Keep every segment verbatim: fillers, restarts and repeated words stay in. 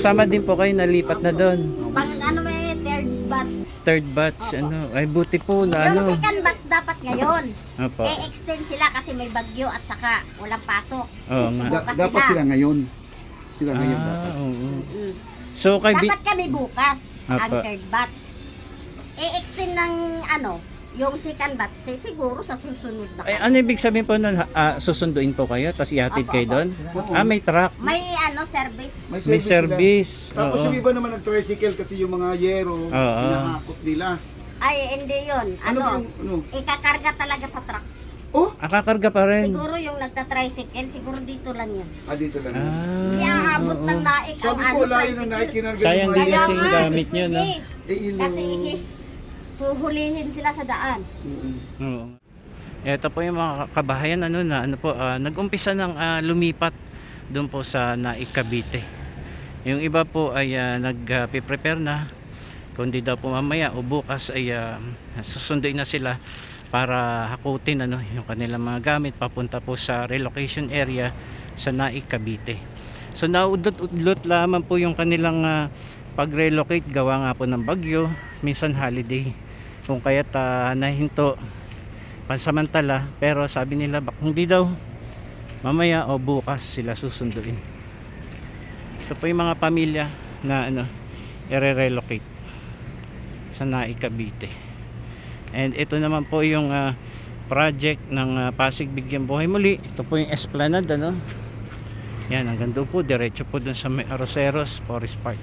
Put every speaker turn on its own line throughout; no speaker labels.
kasama din po kayo nalipat na doon.
Pag ano may third batch.
Third batch, ano. Ay, buti po na
Yung
ano.
second batch dapat ngayon.
Opo.
E-extend sila kasi may bagyo at saka walang pasok.
Oo nga.
Da-
Bukas
dapat
sila.
sila ngayon. Sila ngayon
Ah,
dapat.
oo.
Mm.
So, kay Bi-
Dapat kami bukas ang
Apa.
third batch. E-extend ng ano, yung second batch, eh, siguro sa susunod na.
Ay, ano ibig sabihin po nun? Ah, susunduin po kayo, tapos ihatid
Opo,
kayo
opo.
doon? Ah, may truck.
May ano, service.
May
sila.
service.
Tapos
Oo.
yung iba naman nag-tricycle kasi yung mga yero,
Oo.
hinahakot nila.
Ay, hindi yun.
Ano,
Ano,
yung, ano?
ikakarga talaga sa truck.
Oh!
Ah, kakarga pa rin.
Siguro yung nagta-tricycle, siguro dito lang yan.
Ah, dito lang.
Ah,
Hindi aabot
oo.
ng naik ang
Sabi
ano,
ko, layo ng
tricycle.
naik kinarga
Sayang
yung
din
mga
Kaya
kasi
yero.
yung
nga,
gamit nyo, no?
eh,
Eh, ilo.
Kasi eh, huhulihin sila sa daan.
Mm-mm.
Oo. Ito po yung mga kabahayan ano na ano po ah, nag-umpisa ng ah, lumipat doon po sa Naik Cavite. Yung iba po ay ah, nag-prepare na kundi daw po mamaya o bukas ay ah, susunduin na sila para hakutin ano yung kanilang mga gamit papunta po sa relocation area sa Naik Cavite. So naudot-udlot lamang po yung kanilang ah, pag-relocate gawa nga po ng bagyo, minsan holiday. Kung kaya't uh, nahinto pansamantala, pero sabi nila bak hindi daw mamaya o bukas sila susunduin. Ito po yung mga pamilya na ano i-relocate sa Naik Cavite. And ito naman po yung uh, project ng uh, Pasig Bigyan Buhay Muli. Ito po yung Esplanade ano. Yan, hanggang doon po diretso po dun sa may Arroceros Forest Park.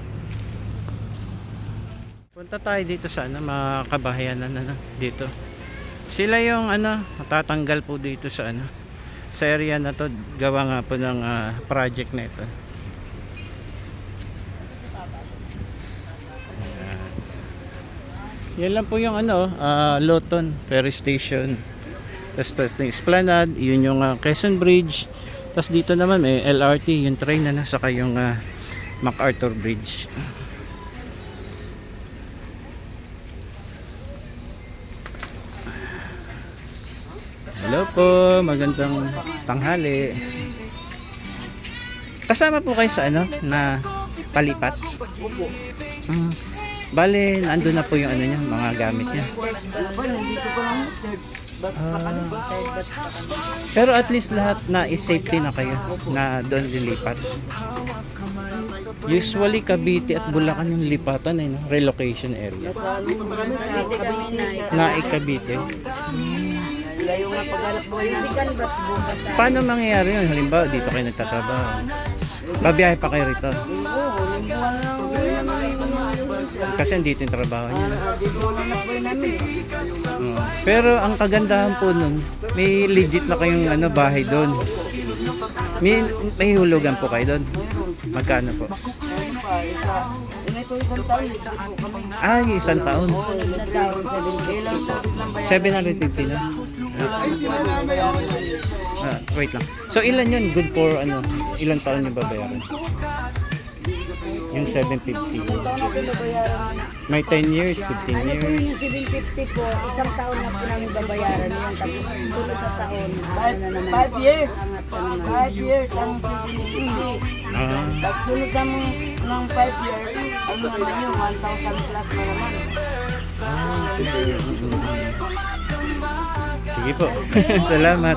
Punta tayo dito sa ano, mga kabahayanan ano, dito. Sila yung ano, matatanggal po dito sa ano, sa area na to, gawa nga po ng uh, project na ito. Ayan. Yan lang po yung ano, uh, Loton Ferry Station. Tapos tapos yung Esplanade, yun yung uh, Quezon Bridge. Tapos dito naman may L R T, yung train na nasa yung uh, MacArthur Bridge. Hello po, magandang tanghali. Kasama po kayo sa ano na palipat? Mm. Bale, nandun na po yung ano niya, mga gamit niya. Ah. Pero at least lahat na is-safety na kayo na doon lilipat. Usually Cavite at Bulacan yung lipatan eh, no? Relocation area. Naik Cavite. Paano mangyayari yun? Halimbawa, dito kayo nagtatrabaho. Babiyahe pa kayo rito. Kasi andito yung trabaho niya. Oo. Pero ang kagandahan po nun, may legit na kayong ano, bahay doon. May, may hulugan po kayo doon. Magkano po? Ah, isang taon. seven hundred fifty lang.
Ay, sila nanay ako yun.
Ah, wait lang. So ilan yun? Good for ano? Ilang taon yung babayaran? Yung seven fifty. May ten years, fifteen
Ano po yung
years.
seven fifty po, isang taon na po namin babayaran yan. Tapos sunod na taon, ano na naman.
Five years.
Angat pa naman.
Five years ang seven fifty.
Ah,
Pag sunod ng, ng five years, ang naman nyo, one thousand plus na naman.
sige po. Salamat.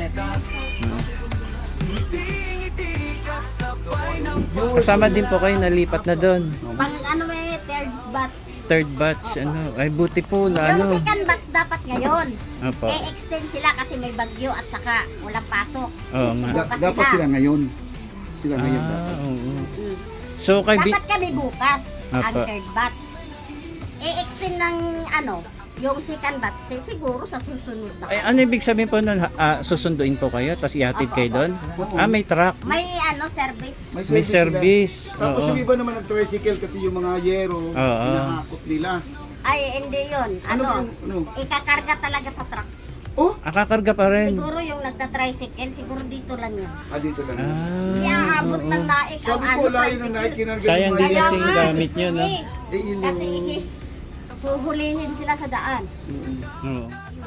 Kasama din po kayo nalipat na doon.
Pag ano may third batch.
Third batch, ano. Ay, buti po na
Yung
ano.
second batch dapat ngayon.
Opo.
E-extend sila kasi may bagyo at saka walang pasok.
Oo nga.
Da-
Bukas
dapat
sila.
sila ngayon. Sila ngayon dapat.
Ah, oo.
Mm.
So, kay Bi-
Dapat kami bukas ang
Apa.
third batch. E-extend ng ano, yung second batch, eh, siguro sa susunod na.
ay, ano ibig sabihin po nun? Ah, susunduin po kayo, tapos ihatid kayo doon? Ah, may truck.
May ano, service.
May
sila.
service.
Tapos
Oo.
yung iba naman nag-tricycle kasi yung mga yero,
Oo.
hinahakot nila.
Ay, hindi yun.
Ano,
Ano,
yung- ano?
ikakarga talaga sa truck.
Oh!
Ah, kakarga pa rin.
Siguro yung nagta-tricycle, siguro dito lang yan.
Ah, dito lang.
Hindi
Ah,
aabot ng naik ang
Sabi
ano,
ko, layo ng
tricycle.
naik kinarga
sayang
yung
din
mga
Kaya
kasi
yero.
yung
nga,
gamit nyo, no?
eh,
Eh, ilo.
Kasi eh, huhulihin sila sa daan.
Oo.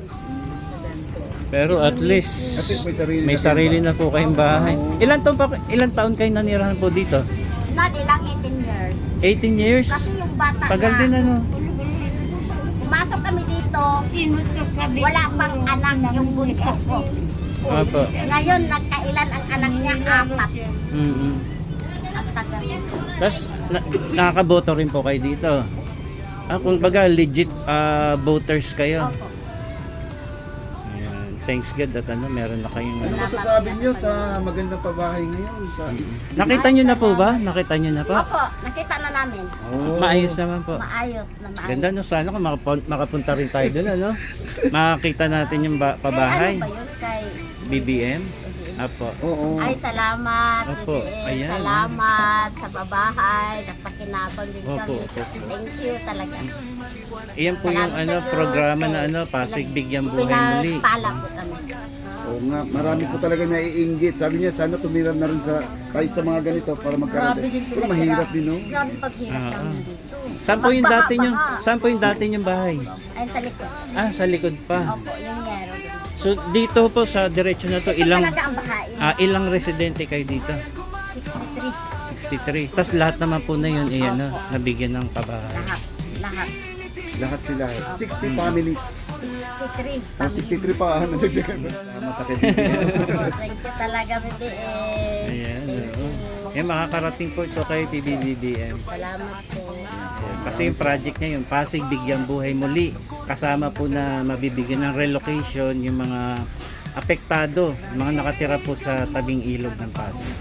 Pero at least,
At least may sarili
may
na
sarili na po kayong bahay. Ilan taon pa ilang taon kayo nanirahan po dito?
Na, di lang eighteen years.
eighteen years?
Kasi yung bata
Tagal
na,
din ano.
pumasok kami dito, wala pang anak yung bunso ko.
Opo.
Ngayon, nagkailan ang anak niya? Apat.
Mm-mm.
Ang tagal nito.
Tapos, na, nakakaboto rin po kayo dito. Ah, kung baga, legit ah, voters kayo.
Opo.
Ayan. Thanks God at ano, meron na kayong
Ano
ano.
masasabi niyo sa magandang pabahay ngayon? Sa...
Nakita nyo na po ba? Nakita nyo na po?
Opo, nakita na namin.
Oh.
Maayos naman po.
Maayos na maayos.
Ganda no, sana kung makapun- makapunta rin tayo doon, ano? Makakita natin yung ba-
Kay
pabahay.
ano ba yun? Kay
B B M? Apo.
Oo.
Ay, salamat.
Opo,
B B M.
ayan.
Salamat sa babahay. Nagpakinabang din
Opo,
kami.
opo.
Thank you talaga.
Iyan po yung
Salamat sa
ano,
Diyos
programa na
kay-
ano, Pasig Bigyan Buhay Muli.
Pinagpala po kami.
Oo nga, marami ko talaga naiinggit. Sabi niya, sana tumira na rin sa, tayo sa mga ganito para
Grabe
magkaroon.
din
Pero
pinaghirap.
mahirap din, no?
Grabe paghirap
Ah,
namin
ah.
dito.
Saan po yung dati nyo?
Pagbaha-baha.
Saan po yung dati nyong bahay?
Ayun sa likod.
Ah, sa likod pa.
Opo, yung yero.
So dito po sa diretso na to,
Ito
ilang
talaga ang bahain.
ah, ilang residente kayo dito?
sixty-three.
sixty-three. Tapos lahat naman po na yun, eh, ano, nabigyan ng pabahay.
Lahat. Lahat.
Lahat sila. sixty families.
sixty-three.
O, sixty-three pa. Ano nagdagan mo? Salamat ako.
Opo, thank you talaga, B B M.
Ayan.
Thank
oo.
you.
Eh, makakarating po ito kay P B B B M.
Salamat po.
Ayan. Kasi yung project niya, yung Pasig Bigyan Buhay Muli, kasama po na mabibigyan ng relocation yung mga apektado, mga nakatira po sa tabing ilog ng Pasig.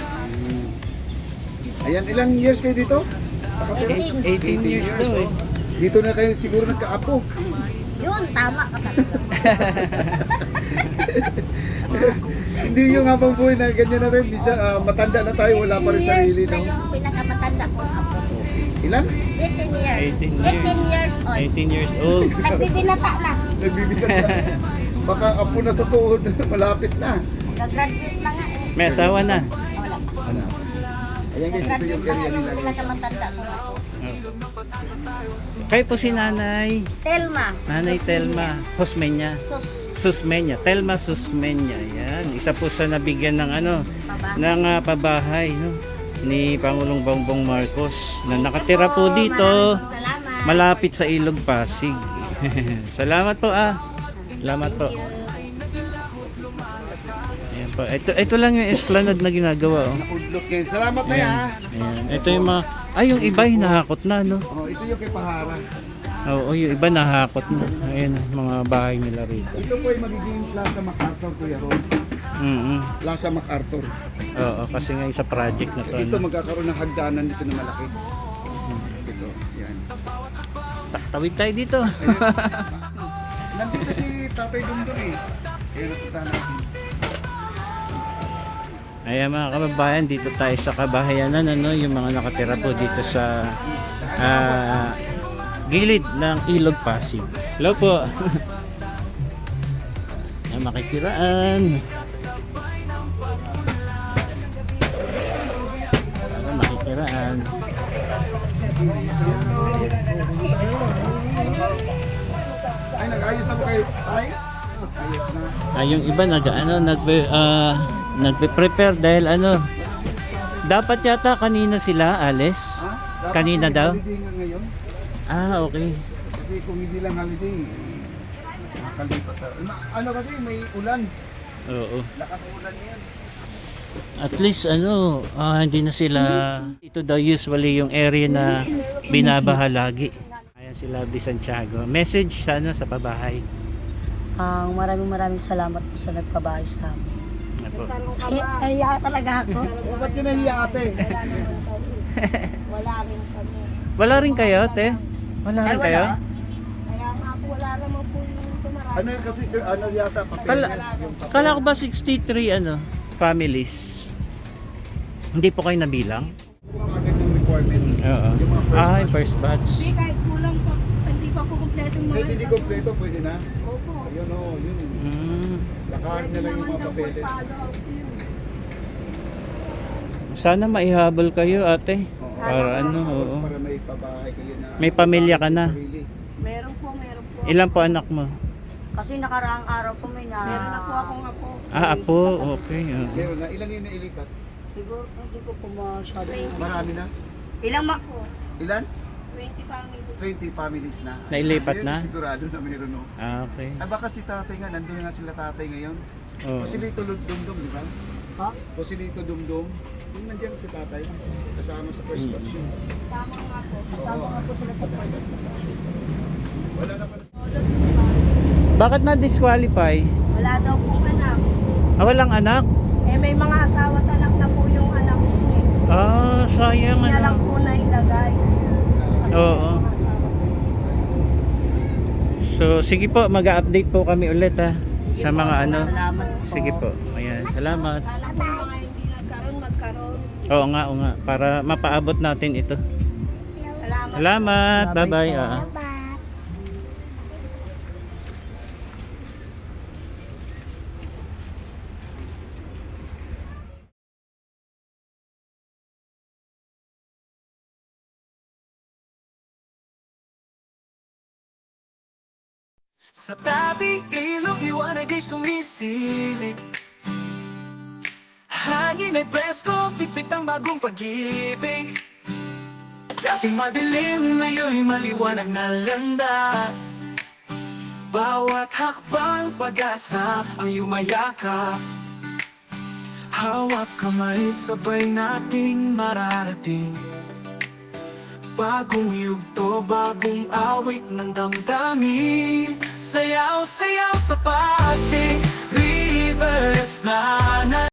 Ayan, ilang years kayo dito? Nakatira?
eighteen.
eighteen years daw eh.
oh. Dito na kayo siguro nagkaapo.
Yun, tama ka talaga.
Hindi yung habang buhay na ganyan na rin. Bisa, ah, matanda na tayo, wala pa rin
eighteen
sarili.
years na
No?
yung pinakamatanda kong apo.
Ilan?
eighteen years.
eighteen years.
eighteen years old.
eighteen years old.
Nagbibinata na.
Nagbibigyan na. Baka apo na sa tuhod, malapit na.
Nag-graduate na nga eh.
May asawa na.
Wala pa.
Ano? Ayan guys, ito
Nag-graduate
yung
na nga
area
yung
nila.
pinakamatanda kong apo.
Kayo po si Nanay.
Telma.
Nanay
Susmina.
Telma Hosmeña.
Sus.
Susmeña. Telma Susmeña. Yan. Isa po sa nabigyan ng ano,
Baba.
ng ah, pabahay, no? Ni Pangulong Bongbong Marcos na nakatira po
Opo,
dito
maraming Salamat.
malapit sa Ilog Pasig. Salamat po ah. Salamat po. Ayan po. Ito, ito lang yung esplanade na ginagawa oh.
Udlok kayo. Salamat na yan.
Ayan. Ito yung mga ay yung iba hinahakot na no.
Oh, ito yung kay Pahara.
Oo, yung iba nahakot na. Ayan mga bahay nila rito.
Ito po ay magiging Plaza MacArthur, Kuya Rose.
Mm.
Plaza MacArthur.
Oo, kasi nga sa project na to.
Ito
Ano.
magkakaroon ng hagdanan dito na malaki. Ito, yan.
Ta- Tawid tayo dito.
Nandito si Tatay Dungdung eh. Kaya napunta natin.
Ayan mga kababayan, dito tayo sa kabahayanan, ano, yung mga nakatira po dito sa ah, gilid ng Ilog Pasig. Hello po. Ayan, makikiraan. Ayan, makikiraan.
Ay, nag-ayos na po kayo, Tay? Ayos na.
Ah, yung iba nag ano nagpe ah, nagpe-prepare dahil ano dapat yata kanina sila alis.
Ha? Dapat
Kanina
may
daw?
holiday nga ngayon.
Ah, okay.
Kasi kung hindi lang holiday, nakakalipat. na. Ma- Ano kasi, may ulan.
Oo.
Lakas ng ulan yan.
At least ano, ah, hindi na sila ito daw usually yung area na binabaha lagi. Ayan si Lovely Santiago. Message sana sa pabahay.
Ang maraming maraming salamat po sa nagpabahay sa amin.
Ano po?
Kaya talaga ako.
O, ba't ka nahiya ate?
Wala rin kami.
Wala rin kayo, te? Wala rin kayo?
Kaya nga po, wala naman po yung tumarami.
Ano kasi, sir, ano yata? papeles,
Kala,
yung papel.
kala ko ba sixty-three ano, families? Hindi po kayo nabilang?
Mga ganyung requirements.
Oo.
Yung mga first
Ah,
batch.
yung first batch.
Hindi, kahit kulang po, hindi pa po kompleto yung
Kahit hindi kompleto, pwede na.
Opo.
Ayun o, yun.
Mm.
Lakarin na lang yung mga papeles.
Sana maihabol kayo, ate.
Oo.
Para ano, oo.
Para may pabahay kayo na.
May pamilya ka na.
Sarili.
Meron po, meron po.
Ilan po anak mo?
Kasi nakaraang araw po may na...
Meron na po akong apo.
Ah, apo. Okay. oo.
Meron na. Ilan yung nailipat?
Siguro, hindi ko po masyado.
Marami na.
Ilang ma...
Ilan?
twenty family.
twenty families na.
Nailipat
Ayun,
na?
Sigurado na mayroon, no?
Ah, okay.
Ah, baka si tatay nga, nandun na nga sila tatay ngayon.
Oo.
Posilito Dumdum, di ba?
Ha?
Posilito Dumdum. Yung nandiyan si tatay, kasama sa first batch yun.
Tama nga po.
Kasama nga po sila sa pagkas.
Wala na pala.
Bakit na-disqualify?
Wala daw pong anak.
Ah, walang anak?
Eh may mga asawa at anak na po yung anak ko eh.
Ah, sayang
Niya lang
ano.
po na ilagay.
Oo. So, sige po, mag-update po kami ulit ha. Sa mga ano.
Salamat po.
Sige po. Ayan, salamat.
Sana po mga hindi nagkaroon, magkaroon.
Oo nga, oo nga. Para mapaabot natin ito.
Salamat.
Salamat.
Bye-bye
Bye-bye.
po.
ah.
Bye.
Sa tabing ilog, liwanag ay sumisilip. Hangin ay presko, pipit ang bagong pag-ibig. Dating madilim, ngayon'y maliwanag na landas. Bawat hakbang pag-asa ang yumayakap. Hawak kamay, sabay nating mararating. Bagong yugto, bagong awit ng damdamin. Sayaw, sayaw sa pasig,